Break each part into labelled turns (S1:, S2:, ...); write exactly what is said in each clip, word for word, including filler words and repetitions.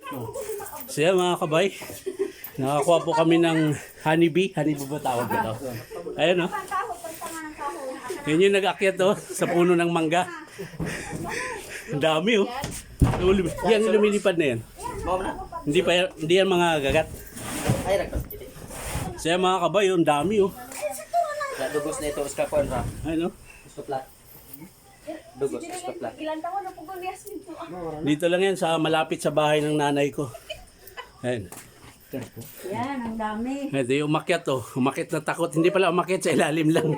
S1: So yan mga kabay, nakakuha po kami ng honeybee. Honeybee ba tawag ito? Ayun o. Oh. Yun yung nag-akyat oh, sa puno ng mangga. Ang dami oh. Yan yung lumilipad na yan. Hindi pa yan, hindi yan mga gagat. So yan mga kabay, oh, ang dami oh.
S2: Dugos na ito, uskapon ra.
S1: Ayun oh.
S2: Uskaplat. Dugos, uskaplat.
S1: Dito lang yan sa malapit sa bahay ng nanay ko. Ayun.
S3: Yan, ang dami.
S1: Ito yung umakyat oh. Umakyat na takot. Hindi pala umakyat, sa ilalim lang.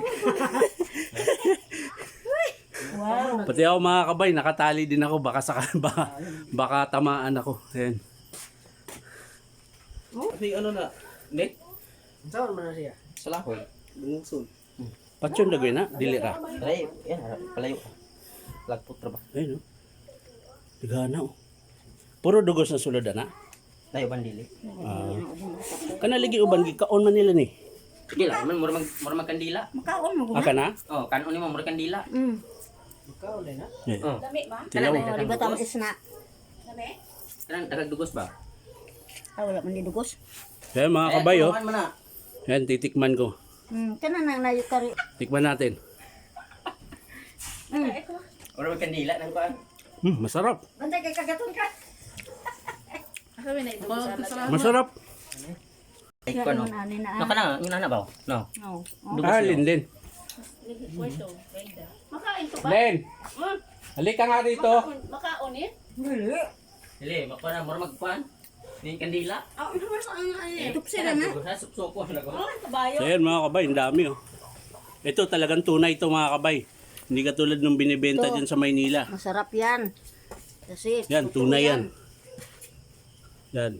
S3: Wow.
S1: Pati ako mga kabay, nakatali din ako. Baka, saka, baka, baka tamaan ako. Ayun.
S2: Kasi ano na, net?
S4: Saan man na siya?
S2: Salahol. Lungsun.
S1: Patsyon na gawin na, dilira.
S2: Palayo, yan, palayo. Lagpot ra ba?
S1: Ayun oh. Tigana oh. Puro dugos na sulod na.
S2: Tayo bandili.
S1: Ah. Kanaligi uban gikaon man nila ni.
S2: Sige lang, man mura mag mura magkandila.
S3: Makaon mo
S1: Aka na?
S2: Oh, kanon ni mo mura kandila.
S3: Mm.
S4: Ikaw ulit na?
S1: Eh.
S2: Oh.
S3: Dami ba?
S2: Kana
S3: Oh,
S2: na
S3: di ba tama isna? Dami?
S2: Kanang dagag dugos ba?
S3: Ah, wala man di dugos.
S1: Kaya mga kabay oh.
S2: Man na.
S1: Yan, titikman ko.
S3: Hmm, kana nang nayo kari.
S1: Tikman natin.
S3: Hmm.
S2: Mura magkandila nang kuan.
S1: Hmm, masarap.
S3: Bantay kay kagaton ka.
S1: Masarap.
S2: Ay
S3: Yan
S2: kuan no.
S3: man ani na.
S2: No kana, yung nana ba? No.
S3: Oh.
S2: Dugos
S1: Ah,
S2: yun.
S1: Linlin.
S3: Makain to ba?
S1: Len! Halika nga dito.
S3: Makaon eh?
S2: Dili, makuha na mura magkuan. Ning kandila.
S3: Ah, ano ba sa ano eh? Tupsira na.
S2: Dugos na suko na ko.
S3: Oh, kabayo.
S1: So yan mga kabay, ang dami oh. Ito talagang tunay ito mga kabay. Hindi katulad nung binibenta
S3: Ito.
S1: dyan sa Maynila.
S3: Masarap yan. Kasi
S1: Yan,
S3: totoo
S1: tunay yan. Yan.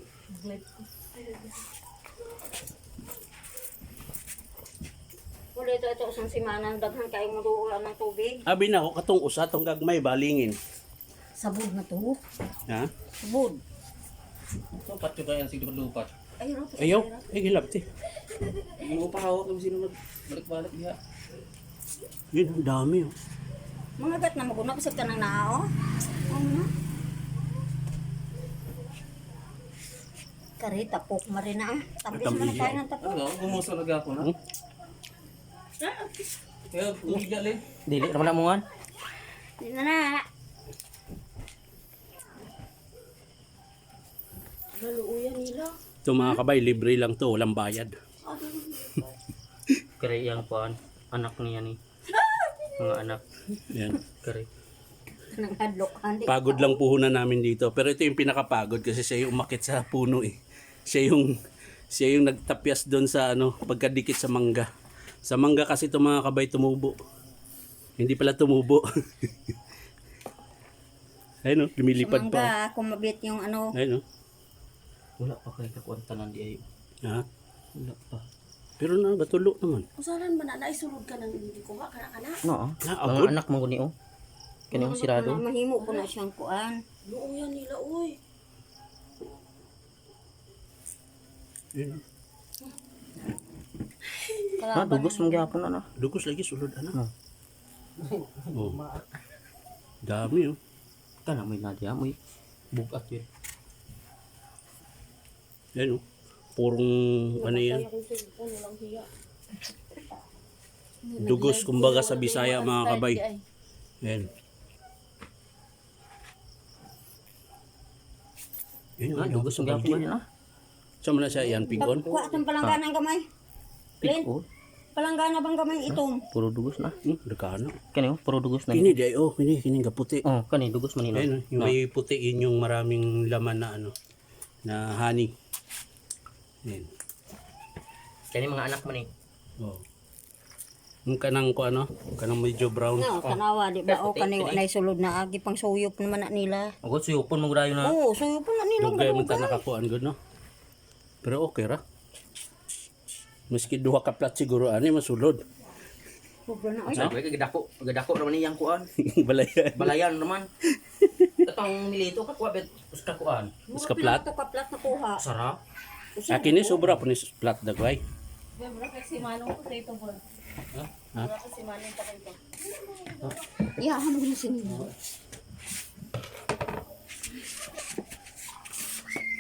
S3: Wala ito, ito isang simana, daghan kayo maduulan ng tubig.
S1: Abi na ako, katong usa, tong gagmay, balingin.
S3: Sabod na to.
S1: Ha?
S3: Sabod.
S2: So patyo kayo sig lupat.
S3: Ay, Rob.
S1: Ayaw, ay gilapti.
S2: Mo pa hawak kung sino magbalik-balik diha.
S1: Yun, ang dami oh.
S3: Mga gat na maguna kasi ka ng nao. Ano? Kari, tapok marina. Tapos
S1: Tabi.
S3: mo na kain ng tapok.
S2: Ano, gumuso na gako na.
S1: Hmm?
S2: Kaya umiga le. Dili ra man mo ngan.
S3: Hindi na na. Galuuyan nila.
S1: Ito mga kabay, libre lang to, walang bayad.
S2: Kare yang kuan anak niya ni. Mga anak
S1: Yan.
S2: kare.
S3: Nang hadlok. Hindi.
S1: Pagod lang puhunan namin dito. Pero ito yung pinakapagod kasi siya yung umakit sa puno eh. Siya yung, siya yung nagtapyas doon sa ano, pagkadikit sa mangga. Sa mangga kasi ito mga kabay tumubo. Hindi pala tumubo. Ayun o, lumilipad pa.
S3: Mangga, kumabit yung ano.
S1: Ayun o.
S2: Wala pa kay kakuan tanan di ayo.
S1: Ha?
S2: Wala pa.
S1: Pero na, batulo naman.
S5: Usalan ba na naisulod ka ng hindi ko ka kana kana?
S2: No.
S1: Na,
S2: Mga
S1: abot.
S2: anak mo guni oh. Kani yung sirado.
S3: Ano, mahimo po na siyang kuan.
S5: Luuyan nila uy.
S1: Ayun.
S2: Ha, dugos mong gyapon na na.
S1: Dugos lagi, sulod ano.
S2: No.
S1: Oh. Dami oh.
S2: Kana may nadia mo bugat yun.
S1: Ayun oh. Purong ano yan.
S5: Ano lang hiya.
S1: Dugos kumbaga sa Bisaya mga kabay. Ayun. Ayun,
S2: Ha, dugos mong gyapon na.
S1: Saan mo na siya yan, pigon?
S3: Kuha itong palanggana ng gamay. Len,
S2: Oh,
S3: palanggana bang gamay itom?
S2: puro dugos na.
S1: Hmm, dekano.
S2: Kani oh, puro dugos na.
S1: Kini di ay oh, kini kini ga puti.
S2: Oh, kani dugos man
S1: Ayun,
S2: ino.
S1: oh, yung may puti yun yung maraming laman na ano, na honey. Ayun.
S2: Kani mga anak man eh.
S1: Oh. Yung kanang ko ano, kanang medyo brown.
S3: No, tanawa di ba o
S2: Puti,
S3: kani
S2: puti.
S3: na sulod na agi pang suyop naman na nila.
S2: Agod suyupon mo grayo na.
S3: Oo, suyop na nila
S1: Dugay man ta nakakuan gud no. Pero okay ra. Maski duha ka plat siguro ani masulod.
S3: Sobra na ay.
S2: Sabi kay gadako, gadako naman iyang kuan.
S1: Balayan.
S2: Balayan naman. Tatang milito ka kuha bet uska kuan.
S1: Mas ka plat.
S3: To ka plat na kuha.
S2: Sarap.
S1: Akin ni sobra po ni plat dagway.
S5: Bebra kasi manong ko sa ito bro.
S1: Ha?
S5: Bebra kasi manong pa ito.
S3: Iyahan mo na sinila.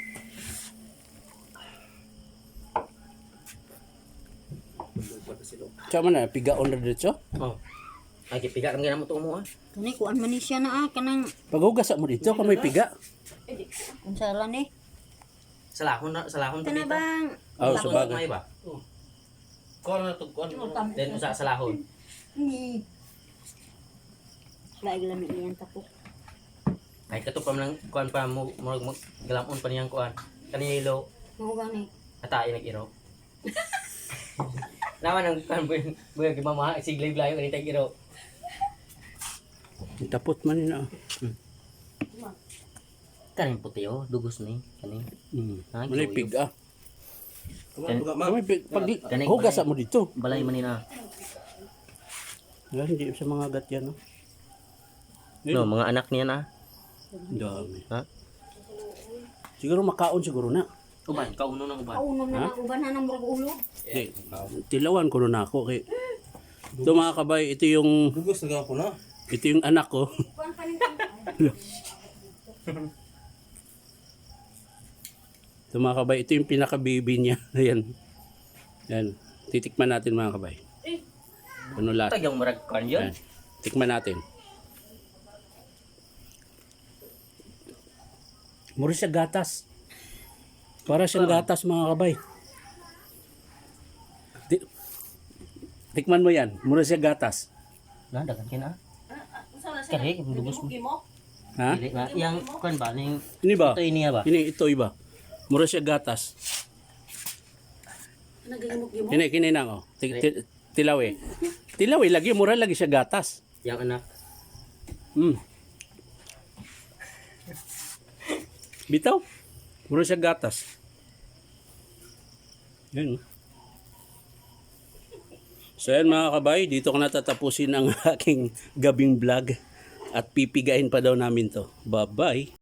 S1: Tsaka man na, pigaon na dito.
S2: Oh. Ay, kipiga kang ginamot mo ah.
S3: Kani kuan man ni siya na ah kanang
S1: Paghugas mo dito, kung may piga.
S3: unsala ni.
S2: Salahon na, salahon pa
S3: Kana
S2: dito.
S3: bang
S1: Oh,
S2: Tapos
S1: sabagay.
S2: may ba? Oh. Kuha na to, kuha na. Then sa salahon.
S3: ni Laig lami niyan tapok.
S2: Ay kato pa man kuan pa mo mo mo- galamon pa niyang kuan. Kanilo
S3: Mao gani.
S2: atay nag-iro. Naman ang kuan boy boy gimama siglay blayo kanita iro.
S1: Tapot man yun ah.
S2: Kanin puti oh, dugos ni kanin.
S1: Hmm.
S2: Ah,
S1: Manay
S2: gawin.
S1: piga.
S2: Kan,
S1: Kung may pig, pag
S2: Ganing-
S1: hugas mo dito.
S2: balay man nina.
S1: Wala, hindi sa mga agat yan. No?
S2: No, mga anak niya na.
S1: Dami.
S2: Ha?
S1: Siguro makaon siguro na.
S2: Uban, kauno ng uban.
S3: Kaunom na lang uban na ng murag ulo.
S1: Di, tilawan ko na ako. Kay, ito mga kabay, ito yung,
S4: Bugos na ako na.
S1: ito yung anak ko.
S3: Kuan kanin.
S1: Ito mga kabay, ito yung pinaka-baby niya. Ayan. Ayan. Titikman natin mga kabay. Ano lahat?
S2: Tagyang marag kuan yun.
S1: Ayan. Tikman natin. Mura siya gatas. Para siyang gatas mga kabay. Ti- Tikman mo yan. Mura siya gatas.
S2: Na dagan kina.
S5: Usa na siya.
S2: Kare dugos mo.
S5: Mo.
S1: Ha?
S2: Dili na yang kuan ba ning
S1: Ini ba?
S2: ito niya ba?
S1: Ini ito iba. Mura siya gatas.
S5: Nagimok-gimok.
S1: Kini kini nang oh. Ti- ti- Tilaw eh. Tilaw eh lagi mura lagi siya gatas.
S2: Yang anak.
S1: Hmm. Bitaw. Mura siya gatas. Yan. oh. So yan mga kabay, dito ko natatapusin ang aking gabing vlog at pipigain pa daw namin to. Bye-bye.